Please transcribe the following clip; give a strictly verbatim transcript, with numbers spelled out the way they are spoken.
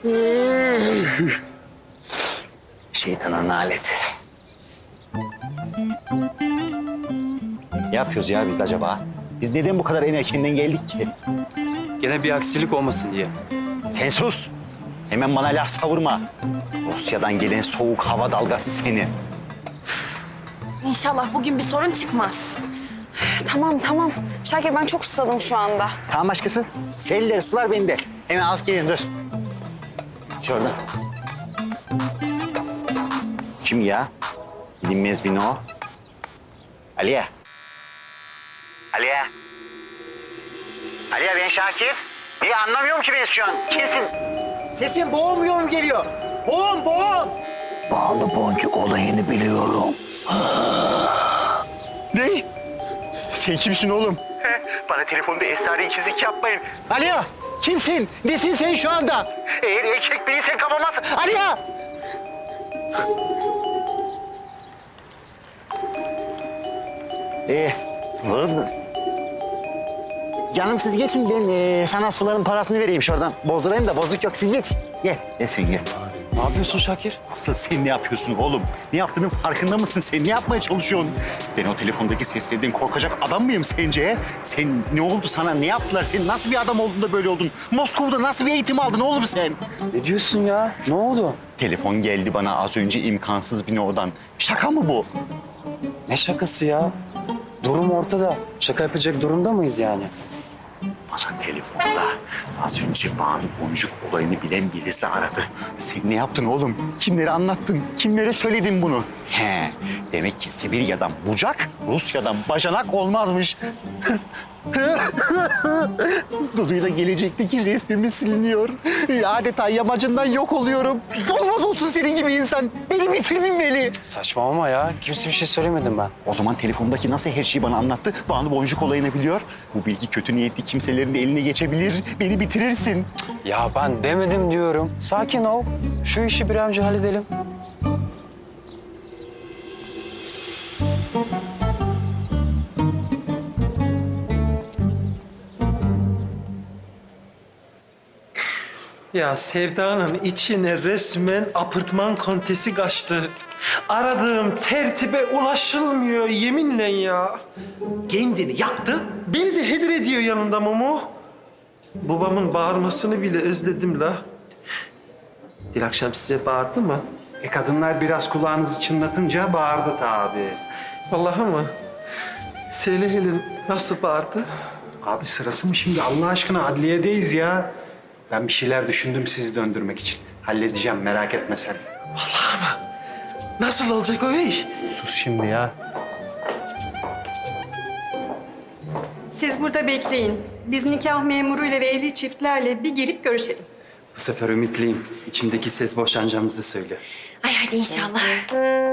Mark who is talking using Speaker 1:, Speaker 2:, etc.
Speaker 1: Şeytanın aleti. Ne yapıyoruz ya biz acaba? Biz neden bu kadar en erkenden geldik ki?
Speaker 2: Gene bir aksilik olmasın diye.
Speaker 1: Sen sus. Hemen bana laf savurma. Rusya'dan gelen soğuk hava dalgası seni.
Speaker 3: İnşallah bugün bir sorun çıkmaz.
Speaker 4: Tamam tamam. Şakir ben çok susadım şu anda.
Speaker 1: Tamam başkası. Seller sular bende. Hemen al gelin dur. Şurada. Kim ya? Bilinmez bir o. Aliye. Aliye. Aliye ben Şakir. Niye anlamıyorum ki ben şu an? Kimsin? Sesin boğum yorum geliyor. Boğum boğum.
Speaker 5: Bağlı boncuk olayını biliyorum.
Speaker 1: Ne? Sen kimsin oğlum? Bana telefonda esrarengisizlik yapmayın. Aliye kimsin? Nesin sen şu anda? Eğer erkek değilsen kapamazsın. Aliye! Ee, sularım. Canım siz geçin ben e, sana suların parasını vereyim şuradan. Bozdurayım da bozuk yok siz geç. Gel, gel sen gel.
Speaker 2: Ne yapıyorsun Şakir?
Speaker 1: Asıl sen ne yapıyorsun oğlum? Ne yaptığının farkında mısın? Sen ne yapmaya çalışıyorsun? Ben o telefondaki seslerden korkacak adam mıyım sence? Sen ne oldu sana? Ne yaptılar? Sen nasıl bir adam oldun da böyle oldun? Moskova'da nasıl bir eğitim aldın oğlum sen?
Speaker 2: Ne diyorsun ya? Ne oldu?
Speaker 1: Telefon geldi bana az önce imkansız bir oradan. Şaka mı bu?
Speaker 2: Ne şakası ya? Durum ortada. Şaka yapacak durumda mıyız yani?
Speaker 1: Bana telefonda az önce Banu Boncuk olayını bilen birisi aradı. Sen ne yaptın oğlum? Kimlere anlattın? Kimlere söyledin bunu? He, demek ki Sibirya'dan bucak, Rusya'dan bacanak olmazmış. Dudu'yla gelecekteki resmimiz siliniyor. Adeta yamacından yok oluyorum. Olmaz olsun senin gibi insan. Beni bitirdin beni.
Speaker 2: Saçmalama ya. Kimse bir şey söylemedim ben.
Speaker 1: O zaman telefondaki nasıl her şeyi bana anlattı? Banu Boncuk olayını biliyor. Bu bilgi kötü niyetli kimselerin de eline geçebilir. Beni bitirirsin.
Speaker 2: Ya ben demedim diyorum. Sakin ol. Şu işi bir an önce halledelim.
Speaker 6: Ya Sevda'nın içine resmen apartman kontesi kaçtı. Aradığım tertibe ulaşılmıyor yeminle ya. Kendini yaktı, beni de heder ediyor yanında Momo. Babamın bağırmasını bile özledim la. Bir akşam size bağırdı mı?
Speaker 7: E kadınlar biraz kulağınızı çınlatınca bağırdı tabii.
Speaker 6: Vallahi mı? Söyle Helin, nasıl bağırdı?
Speaker 7: Abi sırası mı şimdi? Allah aşkına adliyedeyiz ya. Ben bir şeyler düşündüm sizi döndürmek için. Halledeceğim merak etme sen.
Speaker 6: Vallahi mı? Nasıl olacak o iş?
Speaker 7: Sus şimdi ya.
Speaker 8: Siz burada bekleyin. Biz nikah memuruyla ve evli çiftlerle bir girip görüşelim.
Speaker 2: Bu sefer ümitliyim. İçimdeki ses boşanacağımızı söylüyor.
Speaker 3: Ay hadi inşallah.